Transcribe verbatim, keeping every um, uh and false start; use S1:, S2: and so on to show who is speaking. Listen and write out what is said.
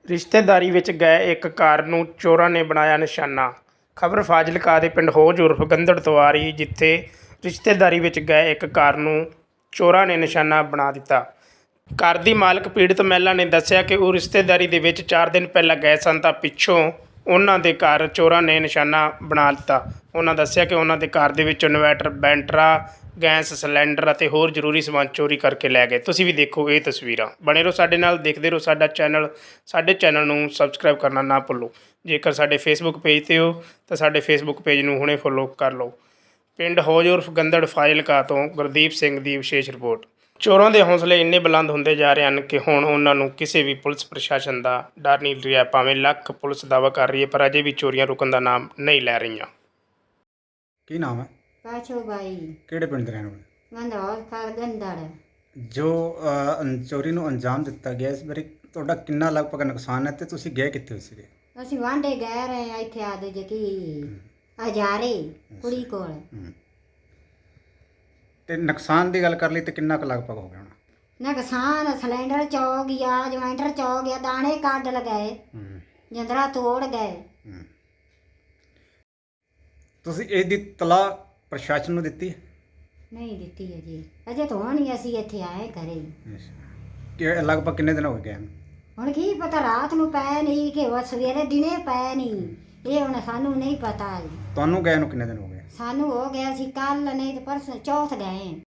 S1: ਰਿਸ਼ਤੇਦਾਰੀ ਵਿੱਚ ਗਏ ਇੱਕ ਕਾਰ ਨੂੰ ਚੋਰਾਂ ਨੇ ਬਣਾਇਆ ਨਿਸ਼ਾਨਾ। ਖਬਰ ਫਾਜ਼ਿਲਕਾ ਦੇ ਪਿੰਡ ਹੌਜ ਉਰਫ ਗੰਦੜ ਤੋਂ ਆ ਰਹੀ, ਜਿੱਥੇ ਰਿਸ਼ਤੇਦਾਰੀ ਵਿੱਚ ਗਏ ਇੱਕ ਕਾਰ ਨੂੰ ਚੋਰਾਂ ਨੇ ਨਿਸ਼ਾਨਾ ਬਣਾ ਦਿੱਤਾ। ਘਰ ਦੀ ਮਾਲਕ ਪੀੜਤ ਮਹਿਲਾ ਨੇ ਦੱਸਿਆ ਕਿ ਉਹ ਰਿਸ਼ਤੇਦਾਰੀ ਦੇ ਵਿੱਚ ਚਾਰ ਦਿਨ ਪਹਿਲਾਂ ਗਏ ਸਨ ਤਾਂ ਪਿੱਛੋਂ ਉਹਨਾਂ ਦੇ ਘਰ ਚੋਰਾਂ ਨੇ ਨਿਸ਼ਾਨਾ ਬਣਾ ਦਿੱਤਾ। ਉਹਨਾਂ ਦੱਸਿਆ ਕਿ ਉਹਨਾਂ ਦੇ ਘਰ ਦੇ ਵਿੱਚੋਂ ਇਨਵੈਟਰ, ਬੈਂਟਰਾ, ਗੈਸ ਸਿਲੰਡਰ ਅਤੇ ਹੋਰ ਜ਼ਰੂਰੀ ਸਮਾਨ ਚੋਰੀ ਕਰਕੇ ਲੈ ਗਏ। ਤੁਸੀਂ ਵੀ ਦੇਖੋ ਇਹ ਤਸਵੀਰਾਂ। ਬਣੇ ਰਹੋ ਸਾਡੇ ਨਾਲ, ਦੇਖਦੇ ਰਹੋ ਸਾਡਾ ਚੈਨਲ। ਸਾਡੇ ਚੈਨਲ ਨੂੰ ਸਬਸਕ੍ਰਾਈਬ ਕਰਨਾ ਨਾ ਭੁੱਲੋ। ਜੇਕਰ ਸਾਡੇ ਫੇਸਬੁੱਕ ਪੇਜ 'ਤੇ ਹੋ ਤਾਂ ਸਾਡੇ ਫੇਸਬੁੱਕ ਪੇਜ ਨੂੰ ਹੁਣੇ ਫੋਲੋ ਕਰ ਲਓ। ਪਿੰਡ ਹੌਜ ਉਰਫ ਗੰਦੜ ਫਾਜ਼ਿਲਕਾ ਤੋਂ ਗੁਰਦੀਪ ਸਿੰਘ ਦੀ ਵਿਸ਼ੇਸ਼ ਰਿਪੋਰਟ। ਚੋਰਾਂ ਦੇ ਹੌਸਲੇ ਇੰਨੇ ਬੁਲੰਦ ਹੁੰਦੇ ਜਾ ਰਹੇ ਹਨ ਕਿ ਹੁਣ ਉਹਨਾਂ ਨੂੰ ਕਿਸੇ ਵੀ ਪੁਲਿਸ ਪ੍ਰਸ਼ਾਸਨ ਦਾ ਡਰ ਨਹੀਂ ਰਿਹਾ। ਭਾਵੇਂ ਲੱਖ ਪੁਲਿਸ ਦਾਅਵਾ ਕਰ ਰਹੀ ਹੈ, ਪਰ ਅਜੇ ਵੀ ਚੋਰੀਆਂ ਰੁਕਣ ਦਾ ਨਾਮ ਨਹੀਂ ਲੈ ਰਹੀਆਂ।
S2: ਕੀ ਨਾਮ ਹੈ?
S3: ਪਾਛੋ ਬਾਈ
S2: ਕਿਹੜੇ ਪਿੰਡ ਦੇ ਰਹਿਣ ਵਾਲੇ?
S3: ਗੰਦੌਰ ਕਾ ਗੰਦੜ।
S2: ਜੋ ਅ, ਅੰ- ਚੋਰੀ ਨੂੰ ਅੰਜਾਮ ਦਿੱਤਾ ਗਿਆ, ਇਸ ਬਾਰੇ ਤੁਹਾਡਾ ਕਿੰਨਾ ਲਗਭਗ ਨੁਕਸਾਨ ਹੈ ਤੇ ਤੁਸੀਂ ਗਏ ਕਿੱਥੇ ਹੋਏ ਸੀਗੇ?
S3: ਅਸੀਂ ਵਾਂਡੇ ਗਏ ਰਹੇ ਹਾਂ ਇੱਥੇ ਆਦੇ ਜੇ ਕੀ ਹਜ਼ਾਰੇ ਕੁੜੀ ਕੋਲ।
S2: ਹੂੰ। ਤੇ ਨੁਕਸਾਨ ਦੀ ਗੱਲ ਕਰ ਲਈ ਤੇ ਕਿੰਨਾ ਕੁ ਲਗਭਗ ਹੋ ਗਿਆ ਹੋਣਾ?
S3: ਨੁਕਸਾਨ ਸਿਲੰਡਰ ਚੋ ਗਿਆ, ਜਵੈਂਟਰ ਚੋ ਗਿਆ, ਦਾਣੇ ਕੱਢ ਲਗਾਏ,
S2: ਹੂੰ
S3: ਜੰਦਰਾ ਤੋੜ ਗਏ।
S2: ਹੂੰ। ਤੁਸੀਂ ਇਹਦੀ ਤਲਾਹ ਪ੍ਰਸ਼ਾਸਨ ਨੂੰ ਦਿੱਤੀ ਹੈ?
S3: ਨਹੀਂ ਦਿੱਤੀ ਅਜੇ ਅਜੇ ਤਾਂ ਹੁਣ ਹੀ ਅਸੀਂ ਇੱਥੇ ਆਏ ਘਰੇ।
S2: ਕਿ ਲਗਭਗ ਕਿੰਨੇ ਦਿਨ ਹੋ ਗਏ ਹਨ?
S3: ਹੁਣ ਕੀ ਪਤਾ ਰਾਤ ਨੂੰ ਪੈ ਨਹੀਂ ਕਿ ਉਹ ਸਵੇਰੇ ਦਿਨੇ ਪੈ ਨਹੀਂ, ਇਹ ਹੁਣ ਸਾਨੂੰ ਨਹੀਂ ਪਤਾ ਜੀ।
S2: ਤੁਹਾਨੂੰ ਗਏ ਨੂੰ ਕਿੰਨੇ ਦਿਨ ਹੋ ਗਏ?
S3: ਸਾਨੂੰ ਹੋ ਗਿਆ ਸੀ ਕੱਲ ਨਹੀਂ ਤੇ ਪਰਸੋਂ ਚੌਥ ਗਏ।